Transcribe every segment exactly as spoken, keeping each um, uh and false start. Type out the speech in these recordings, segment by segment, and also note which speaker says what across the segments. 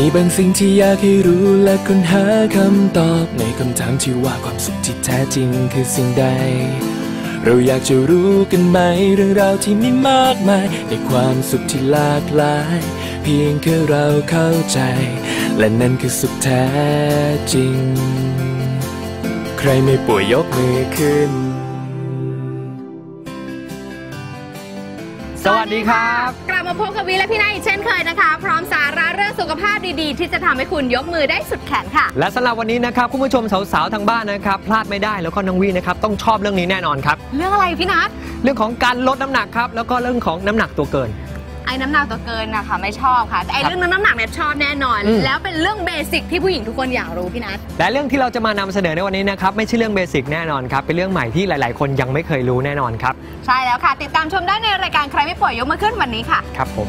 Speaker 1: มีบางสิ่งที่อยากให้รู้และค้นหาคำตอบในคำถามที่ว่าความสุขที่แท้จริงคือสิ่งใดเราอยากจะรู้กันไหมเรื่องราวที่มีมากมายในความสุขที่หลากหลายเพียงแค่เราเข้าใจและนั่นคือสุขแท้จริงใครไม่ป่วยยกมือขึ้น
Speaker 2: สวัสดีครับ
Speaker 3: กลับมาพบกับวิและพี่นายอีกเช่นเคยนะคะพร้อมสาระเรื่องสุขภาพดีๆที่จะทำให้คุณยกมือได้สุดแขนค่ะ
Speaker 2: และสำหรับวันนี้นะครับคุณผู้ชมสาวๆทางบ้านนะครับพลาดไม่ได้แล้วก็น้องวีนะครับต้องชอบเรื่องนี้แน่นอนครับ
Speaker 3: เรื่องอะไรพี่นัท
Speaker 2: เรื่องของการลดน้ำหนักครับแล้วก็เรื่องของน้ำหนักตัวเกิน
Speaker 3: ไอ้น้ำหนักตัวเกินนะคะไม่ชอบค่ะแต่ไอ้เรื่องน้ำหนักเนี่ยชอบแน่นอนแล้วเป็นเรื่องเบสิกที่ผู้หญิงทุกคนอยากรู้พี่นัท
Speaker 2: และเรื่องที่เราจะมานำเสนอในวันนี้นะครับไม่ใช่เรื่องเบสิกแน่นอนครับเป็นเรื่องใหม่ที่หลายๆคนยังไม่เคยรู้แน่นอนครับ
Speaker 3: ใช่แล้วค่ะติดตามชมได้ในรายการใครไม่ป่วยยกมาขึ้นวันนี้ค่ะ
Speaker 2: ครับผม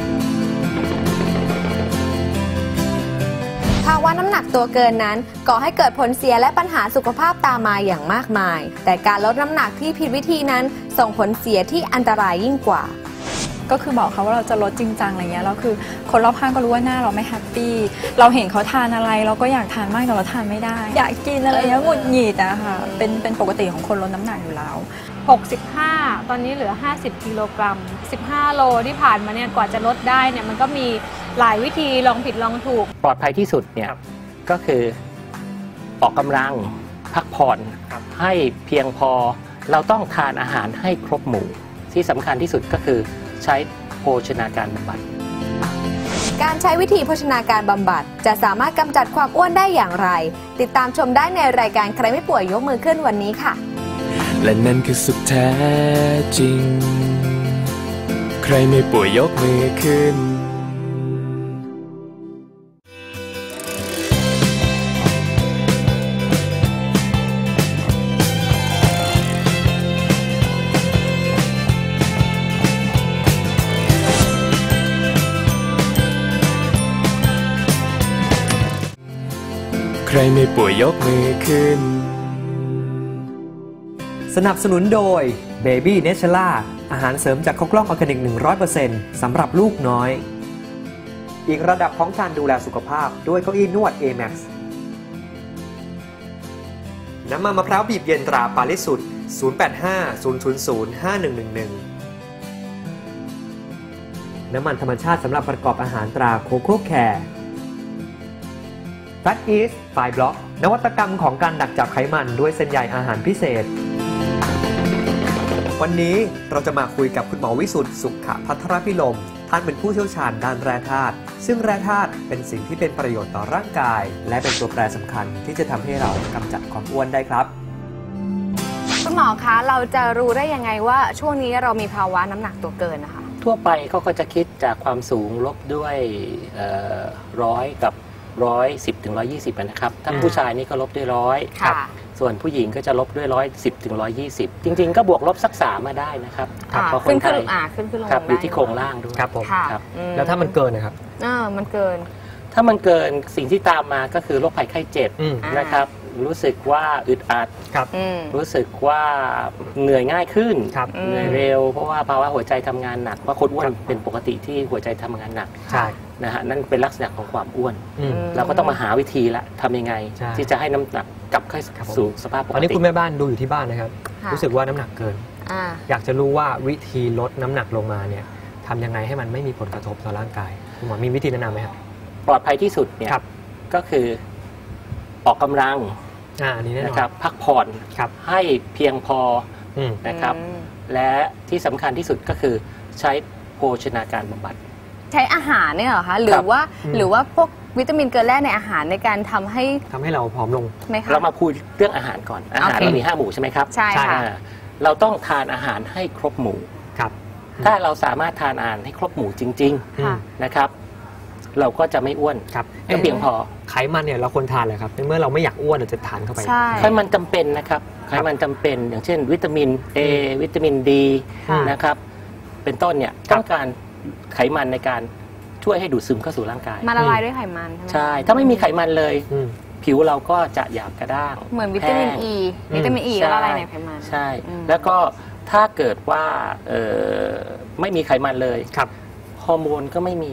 Speaker 4: ภาวะน้ำหนักตัวเกินนั้นก่อให้เกิดผลเสียและปัญหาสุขภาพตามมาอย่างมากมายแต่การลดน้ำหนักที่ผิดวิธีนั้นส่งผลเสียที่อันตรายยิ่งกว่า
Speaker 5: ก็คือบอกเขาว่าเราจะลดจริงจังอะไรเงี้ยแล้วคือคนรอบข้างก็รู้ว่าหน้าเราไม่แฮปปี้เราเห็นเขาทานอะไรเราก็อยากทานมากแต่เราทานไม่ได้อยากกินอะไรเงี้ยหงุดหงิดอะค่ะเป็นเป็นปกติของคนลดน้ำหนักอยู่แล้ว
Speaker 6: หกสิบห้าตอนนี้เหลือห้าสิบกิโลกรัมสิบห้าโลที่ผ่านมาเนี่ยกว่าจะลดได้เนี่ยมันก็มีหลายวิธีลองผิดลองถูก
Speaker 7: ปลอดภัยที่สุดเนี่ยก็คือออกกำลังพักผ่อนให้เพียงพอเราต้องทานอาหารให้ครบหมู่ที่สำคัญที่สุดก็คือใช้โภชนาการบำบัด
Speaker 4: การใช้วิธีโภชนาการบำบัดจะสามารถกำจัดความอ้วนได้อย่างไรติดตามชมได้ในรายการใครไม่ป่วยยกมือขึ้นวันนี้ค่ะ
Speaker 1: และนั่นคือสุขแท้จริงใครไม่ป่วยยกมือขึ้นใครไม่ป่วยยกมือขึ้น
Speaker 2: สนับสนุนโดย Baby Naturala อาหารเสริมจากข้าวกล้องออร์แกนิก หนึ่งร้อยเปอร์เซ็นต์ สำหรับลูกน้อยอีกระดับของการดูแลสุขภาพด้วยเก้าอี้นวด เอ แม็กซ์ น้ำมันมะพร้าวบีบเย็นตราปาริสุทธิ์ ศูนย์ แปด ห้า ศูนย์ ศูนย์ ศูนย์ ห้า หนึ่ง หนึ่ง หนึ่ง น้ำมันธรรมชาติสำหรับประกอบอาหารตราโคโค่แคร์Fat East ไฟบล็อกนวัตกรรมของการดักจับไขมันด้วยเส้นใยอาหารพิเศษวันนี้เราจะมาคุยกับคุณหมอวิสุทธิ์สุขภัทรพิรมท่านเป็นผู้เชี่ยวชาญด้านแร่ธาตุซึ่งแร่ธาตุเป็นสิ่งที่เป็นประโยชน์ต่อร่างกายและเป็นตัวแปรสำคัญที่จะทำให้เรากำจัดความอ้วนได้ครับ
Speaker 3: คุณหมอคะเราจะรู้ได้ยังไงว่าช่วงนี้เรามีภาวะน้ำหนักตัวเกินนะคะ
Speaker 7: ทั่วไปเขาก็จะคิดจากความสูงลบด้วยร้อยกับร้อยสิบถึงร้อยยี่สิบนะครับถ้าผู้ชายนี่ก็ลบด้วยร้อยส่วนผู้หญิงก็จะลบด้วยร้อยสิบถึงร้อยยี่สิบจริงๆก็บวกลบสักสามมาได้นะครับ
Speaker 3: เพราะคนไทยขึ้นขึ้นลง
Speaker 7: ครับอยู่ที่โครงล่างด้วย
Speaker 2: ครับผมแล้วถ้ามันเกินนะครับ
Speaker 3: เออมันเกิน
Speaker 7: ถ้ามันเกินสิ่งที่ตามมาก็คือโรคภัยไข้เจ็บนะครับรู้สึกว่าอึดอัดรู้สึกว่าเหนื่อยง่ายขึ้นเหนื่อยเร็วเพราะว่าภาวะหัวใจทำงานหนักว่าคนอ้วนเป็นปกติที่หัวใจทำงานหนักนะฮะนั่นเป็นลักษณะของความอ้วนเราก็ต้องมาหาวิธีละทำยังไงที่จะให้น้ำหนักกลับเข้าสู่สภาพปกติ
Speaker 2: ตอนนี้คุณแม่บ้านดูอยู่ที่บ้านนะครับรู้สึกว่าน้ำหนักเกินอยากจะรู้ว่าวิธีลดน้ำหนักลงมาเนี่ยทำยังไงให้มันไม่มีผลกระทบต่อร่างกายคุณหมอมีวิธีแนะนำไหมครับ
Speaker 7: ปลอดภัยที่สุดเนี่ยก็คือออกกำลังนะครับพักผ่อนให้เพียงพอนะครับและที่สำคัญที่สุดก็คือใช้โภชนาการบำบัด
Speaker 3: ใช้อาหารเนี่ยเหรอคะหรือว่าหรือว่าพวกวิตามินเกลือแร่ในอาหารในการทำให้
Speaker 2: ทำให้เราผอมลง
Speaker 3: ไหมคะ
Speaker 7: เรามาพูดเรื่องอาหารก่อนอาหารเรามีห้าหมู่ใช่ไหมครับ
Speaker 3: ใช่ค่ะ
Speaker 7: เราต้องทานอาหารให้ครบหมู่
Speaker 2: ครับ
Speaker 7: ถ้าเราสามารถทานอาหารให้ครบหมู่จริงๆนะครับเราก็จะไม่อ้วน
Speaker 2: ครับ
Speaker 7: ก็เพียงพอ
Speaker 2: ไขมันเนี่ยเราควรทานเลยครับเมื่อเราไม่อยากอ้วนเราจะทานเข้าไป
Speaker 7: ไขมันจำเป็นนะครับไขมันจำเป็นอย่างเช่นวิตามิน A วิตามิน D นะครับเป็นต้นเนี่ยต้องการไขมันในการช่วยให้ดูดซึมเข้าสู่ร่างกาย
Speaker 3: มาละลายด้วยไขมัน
Speaker 7: ใช่ถ้าไม่มีไขมันเลยผิวเราก็จะหยาบกระด้าง
Speaker 3: เหมือนวิตามิน E วิตามิน E ละลายในไขมัน
Speaker 7: ใช่แล้วก็ถ้าเกิดว่าไม่มีไขมันเลยฮอร์โมนก็ไม่มีฮะฮ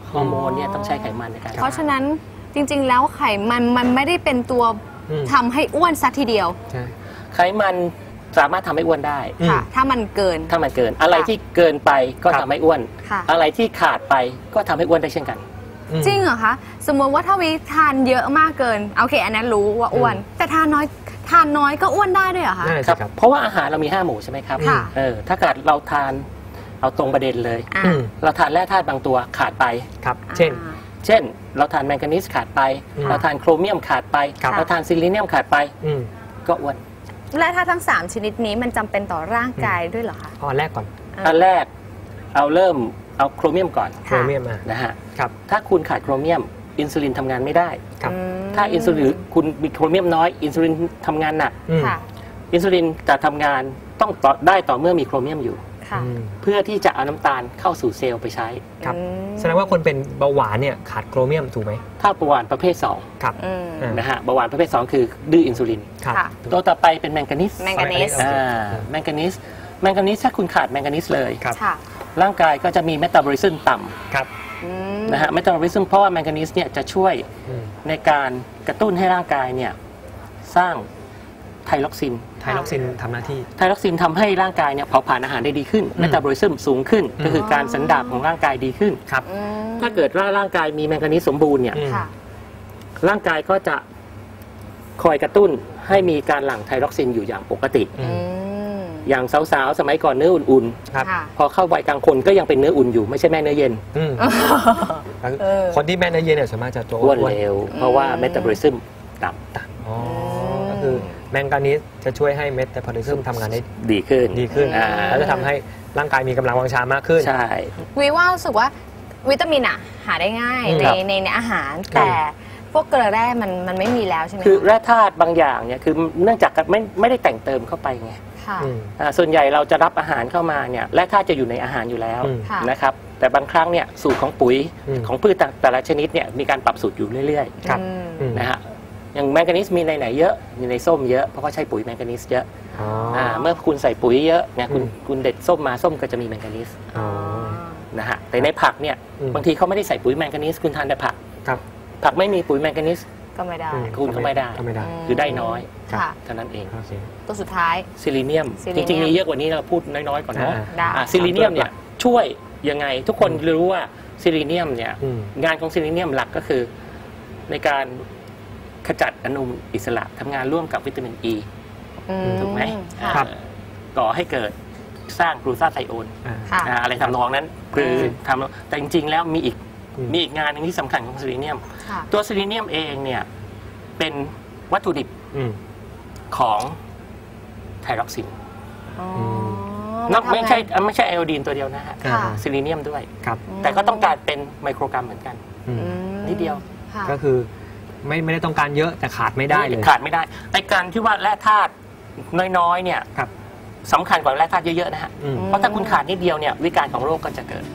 Speaker 7: ฮอร์โมนเนี่ยต้องใช้ไขมันในการ
Speaker 3: เพราะฉะนั้นจริงๆแล้วไขมันมันไม่ได้เป็นตัวทำให้อ้วนซะทีเดียว
Speaker 7: ไขมันสามารถทำให้อ้วนได้
Speaker 3: ค่ะถ้ามันเกิน
Speaker 7: ถ้ามันเกินอะไรที่เกินไปก็ทำให้อ้วนอะไรที่ขาดไปก็ทำให้อ้วนได้เช่นกัน
Speaker 3: จริงเหรอคะสมมติว่าถ้าวิทานเยอะมากเกินโอเคอันนั้นรู้ว่าอ้วนแต่ทานน้อยทานน้อยก็อ้วนได้ด้วยเหรอคะ
Speaker 7: ครับเพราะว่าอาหารเรามีห้าหมู่ใช่ไหมครับเออถ้าเกิดเราทานเอาตรงประเด็นเลยเราทานแร่ธาตุบางตัวขาดไป
Speaker 2: ครับเช่น
Speaker 7: เช่นเราทานแมงกานีสขาดไปเราทานโครเมียมขาดไปเราทานซิลิเนียมขาดไปก็อ้วน
Speaker 3: แร่ธาตุทั้งสามชนิดนี้มันจำเป็นต่อร่างกายด้วยเหรอคะ
Speaker 2: อันแรกก่อน
Speaker 7: อันแรกเอาเริ่มเอาโครเมียมก่อน
Speaker 2: โครเมียม
Speaker 7: นะฮะครับถ้าคุณขาดโครเมียมอินซูลินทำงานไม่ได้ถ้าอินซูลินคุณมีโครเมียมน้อยอินซูลินทำงานหนักอินซูลินจะทำงานต้องได้ต่อเมื่อมีโครเมียมอยู่เพื่อที่จะเอาน้ำตาลเข้าสู่เซลล์ไปใช้
Speaker 2: ครับแสดงว่าคนเป็นเบาหวานเนี่ยขาดโครเมียมถูกไหม
Speaker 7: ถ้าเบาหวานประเภทสอง
Speaker 2: ครับ
Speaker 7: นะฮะเบาหวานประเภทสองคือดื้ออินซูลินตัวต่อไปเป็นแมงกานีส
Speaker 3: แมงกานีส
Speaker 7: แมงกานีสแมงกานีสถ้าคุณขาดแมงกานีสเลยร่างกายก็จะมีเมตาบอลิซึมต่ำนะฮะเมตาบอลิซึมเพราะว่าแมงกานีสเนี่ยจะช่วยในการกระตุ้นให้ร่างกายเนี่ยสร้างไทล็อกซิน
Speaker 2: ไทล็อกซินทำหน้าที่
Speaker 7: ไทล็อกซินทำให้ร่างกายเนี่ยเผาผลาญอาหารได้ดีขึ้นเมตาบอลิซึมสูงขึ้นก็คือการสันดาปของร่างกายดีขึ้น
Speaker 2: ครับ
Speaker 7: ถ้าเกิดว่าร่างกายมีแมงกานีสสมบูรณ์เนี่ยร่างกายก็จะคอยกระตุ้นให้มีการหลั่งไทล็อกซินอยู่อย่างปกติอย่างสาวๆสมัยก่อนเนื้ออุ่นๆพอเข้าวัยกลางคนก็ยังเป็นเนื้ออุ่นอยู่ไม่ใช่แม่เนื้อเย็น
Speaker 2: คนที่แม่เนื้อเย็นเนี่ยสามารถจะโต
Speaker 7: อ้วนเร็วเพราะว่าเมตาบอลิซึมต่
Speaker 2: ำก็คือแมงกานีสจะช่วยให้เมตาบอลิซึมทำงานได้
Speaker 7: ดีขึ้น
Speaker 2: ดีขึ้นแล้วจะทำให้ร่างกายมีกำลังวังชามากขึ้น
Speaker 7: ใช่
Speaker 3: วิว่ารู้สึกว่าวิตามินอะหาได้ง่ายในในในอาหารแต่พวกเกลือแร่มันมันไม่มีแล้วใช่ไหม
Speaker 7: คือแร่ธาตุบางอย่างเนี่ยคือเนื่องจากไม่ไม่ได้แต่งเติมเข้าไปไงส่วนใหญ่เราจะรับอาหารเข้ามาเนี่ยแร่ธาตุจะอยู่ในอาหารอยู่แล้วนะครับแต่บางครั้งเนี่ยสูตรของปุ๋ยของพืชแต่ละชนิดเนี่ยมีการปรับสูตรอยู่เรื่อยๆนะฮะอย่างแมงกานีสมีในไหนเยอะมีในส้มเยอะเพราะเขาใช้ปุ๋ยแมงกานีสเยอะเมื่อคุณใส่ปุ๋ยเยอะเนี่ยคุณคุณเด็ดส้มมาส้มก็จะมีแมงกานีสนะฮะแต่ในผักเนี่ยบางทีเขาไม่ได้ใส่ปุ๋ยแมงกานีสคุณทานแต่ผักผักไม่มีปุ๋ยแมงกานีส
Speaker 3: ก็ไม่ได้
Speaker 7: คุณก็ไม่ได้คือได้น้อยเท่านั้นเอง
Speaker 3: ตัวสุดท้าย
Speaker 7: ซิลิเนียมจริงๆมีเยอะกว่านี้เราพูดน้อยๆก่อนเนาะซิลิเนียมเนี่ยช่วยยังไงทุกคนรู้ว่าซิลิเนียมเนี่ยงานของซิลิเนียมหลักก็คือในการขจัดอนุมูลอิสระทำงานร่วมกับวิตามินอีถูกไหมก่อให้เกิดสร้างกลูตาไทโอนอะไรทำนองนั้นคือทำแต่จริงๆแล้วมีอีกมีอีกงานหนึ่งที่สำคัญของซิลิเนียมตัวซิลิเนียมเองเนี่ยเป็นวัตถุดิบของไทล็อกซินไม่ใช่ไม่ใช่ไอโอดีนตัวเดียวนะฮะซิลิเนียมด้วยแต่ก็ต้องการเป็นไมโครกรัมเหมือนกันนิดเดียว
Speaker 2: ก็คือไม่ไม่ได้ต้องการเยอะแต่ขาดไม่ได้เลย
Speaker 7: ขาดไม่ได้ไอการที่ว่าแร่ธาตุน้อยๆเนี่ยสำคัญกว่าแร่ธาตุเยอะๆนะฮะเพราะถ้าคุณขาดนิดเดียวเนี่ยวิการของโรคก็จะเกิด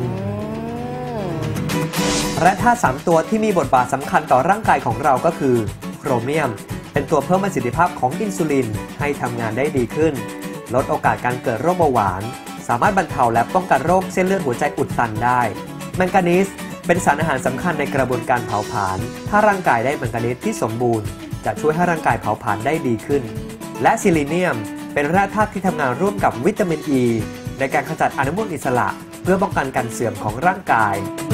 Speaker 2: แร่ธาตุสามตัวที่มีบทบาทสำคัญต่อร่างกายของเราก็คือโครเมียมเป็นตัวเพิ่มประสิทธิภาพของอินซูลินให้ทำงานได้ดีขึ้นลดโอกาสการเกิดโรคเบาหวานสามารถบรรเทาและป้องกันโรคเส้นเลือดหัวใจอุดตันได้แมงกานีสเป็นสารอาหารสำคัญในกระบวนการเผาผลาญถ้าร่างกายได้แมงกานีสที่สมบูรณ์จะช่วยให้ร่างกายเผาผลาญได้ดีขึ้นและซิลิเนียมเป็นแร่ธาตุที่ทำงานร่วมกับวิตามินอีในการขจัดอนุมูลอิสระเพื่อป้องกันการเสื่อมของร่างกาย